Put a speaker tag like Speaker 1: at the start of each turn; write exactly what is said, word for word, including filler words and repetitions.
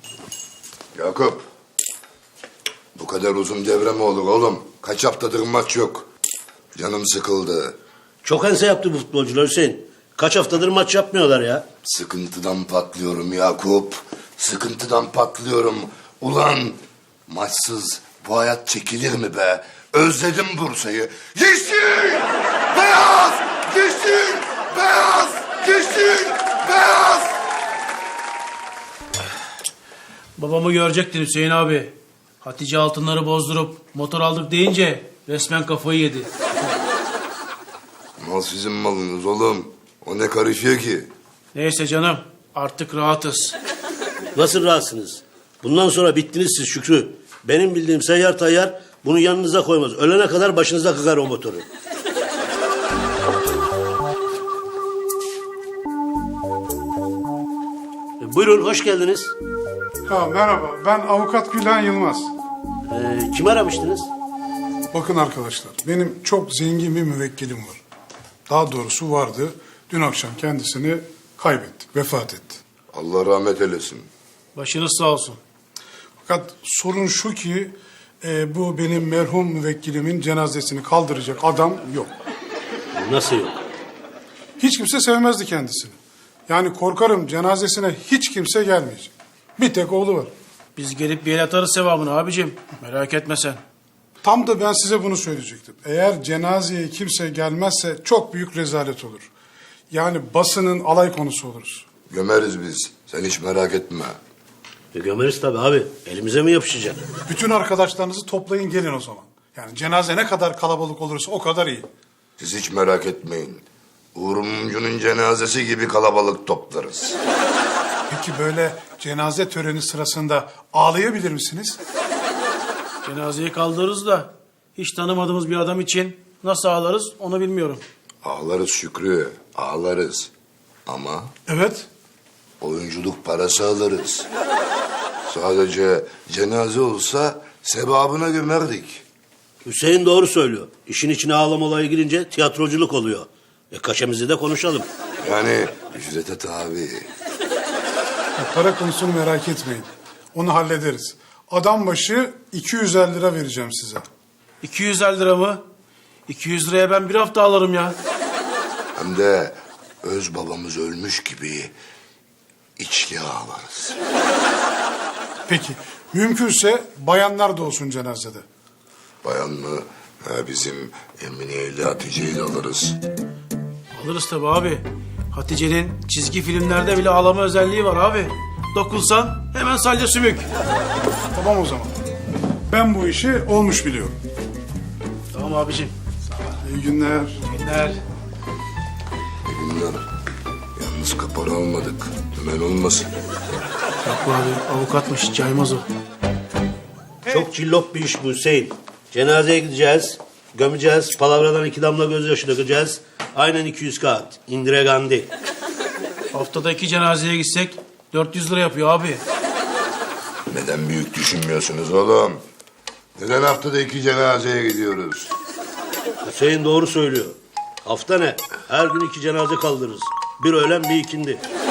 Speaker 1: Yakup. Bu kadar uzun devre mi olur oğlum? Kaç haftadır maç yok. Canım sıkıldı.
Speaker 2: Çok ense yaptı bu futbolcular Hüseyin. Kaç haftadır maç yapmıyorlar ya.
Speaker 1: Sıkıntıdan patlıyorum Yakup. Sıkıntıdan patlıyorum. Ulan maçsız bu hayat çekilir mi be? Özledim Bursa'yı. Yeşil! Beyaz! Yeşil! Beyaz! Yeşil! Beyaz!
Speaker 3: Babamı görecektin Hüseyin abi. Hatice altınları bozdurup motor aldık deyince resmen kafayı yedi.
Speaker 1: Mal sizin malınız oğlum. O ne karışıyor ki?
Speaker 3: Neyse canım, artık rahatız.
Speaker 2: Nasıl rahatsınız? Bundan sonra bittiniz siz Şükrü. Benim bildiğim seyyar tayyar bunu yanınıza koymaz. Ölene kadar başınıza kıkar o motoru. E, buyurun hoş geldiniz.
Speaker 4: Ha, merhaba, ben avukat Gülen Yılmaz.
Speaker 2: E, kim aramıştınız?
Speaker 4: Bakın arkadaşlar, benim çok zengin bir müvekkilim var. Daha doğrusu vardı. Dün akşam kendisini kaybettik, vefat etti.
Speaker 1: Allah rahmet eylesin.
Speaker 3: Başınız sağ olsun.
Speaker 4: Fakat sorun şu ki, e, bu benim merhum müvekkilimin cenazesini kaldıracak adam yok.
Speaker 2: Nasıl yok?
Speaker 4: Hiç kimse sevmezdi kendisini. Yani korkarım cenazesine hiç kimse gelmeyecek. Bir tek oğlu var.
Speaker 3: Biz gelip bir el atarız sevabını abicim. Merak etme sen.
Speaker 4: Tam da ben size bunu söyleyecektim. Eğer cenazeye kimse gelmezse çok büyük rezalet olur. Yani basının alay konusu oluruz.
Speaker 1: Gömeriz biz. Sen hiç merak etme.
Speaker 2: E, gömeriz tabii abi. Elimize mi yapışacak?
Speaker 4: Bütün arkadaşlarınızı toplayın gelin o zaman. Yani cenaze ne kadar kalabalık olursa o kadar iyi.
Speaker 1: Siz hiç merak etmeyin. Uğur Mumcu'nun cenazesi gibi kalabalık toplarız.
Speaker 4: Peki böyle cenaze töreni sırasında ağlayabilir misiniz?
Speaker 3: Cenazeyi kaldırırız da hiç tanımadığımız bir adam için nasıl ağlarız onu bilmiyorum.
Speaker 1: Ağlarız Şükrü, ağlarız. Ama
Speaker 4: Evet.
Speaker 1: oyunculuk parası alırız. Sadece cenaze olsa sevabına gömerdik.
Speaker 2: Hüseyin doğru söylüyor. İşin içine ağlama olayı girince tiyatroculuk oluyor. E kaşemizi de konuşalım.
Speaker 1: Yani ücrete tabi.
Speaker 4: Ya para konusunu merak etmeyin. Onu hallederiz. Adam başı iki yüz elli lira vereceğim size.
Speaker 3: iki yüz elli lira mı? iki yüz liraya ben bir hafta alırım ya.
Speaker 1: Hem de öz babamız ölmüş gibi içli ağlarız.
Speaker 4: Peki mümkünse bayanlar da olsun cenazede.
Speaker 1: Bayan mı? Ha, bizim Emine'yle Hatice'yi de alırız.
Speaker 3: Alırız tabii abi. Hatice'nin çizgi filmlerde bile ağlama özelliği var abi. Dokunsan hemen salya sümük.
Speaker 4: Tamam o zaman. Ben bu işi olmuş biliyorum.
Speaker 3: Tamam abicim.
Speaker 4: İyi günler.
Speaker 3: Günler.
Speaker 1: İyi günler. Yalnız kapara almadık. Dümen olmasın.
Speaker 3: Yok abi avukatmış caymaz o.
Speaker 2: Çok cillop bir iş bu Hüseyin. Cenazeye gideceğiz, gömeceğiz, palavradan iki damla gözyaşı dökeceğiz. Aynen iki yüz kağıt. Indire Gandhi.
Speaker 3: Haftada iki cenazeye gitsek dört yüz lira yapıyor abi.
Speaker 1: Neden büyük düşünmüyorsunuz oğlum? Neden haftada iki cenazeye gidiyoruz?
Speaker 2: Hüseyin doğru söylüyor. Hafta ne? Her gün iki cenaze kaldırırız. Bir öğlen bir ikindi.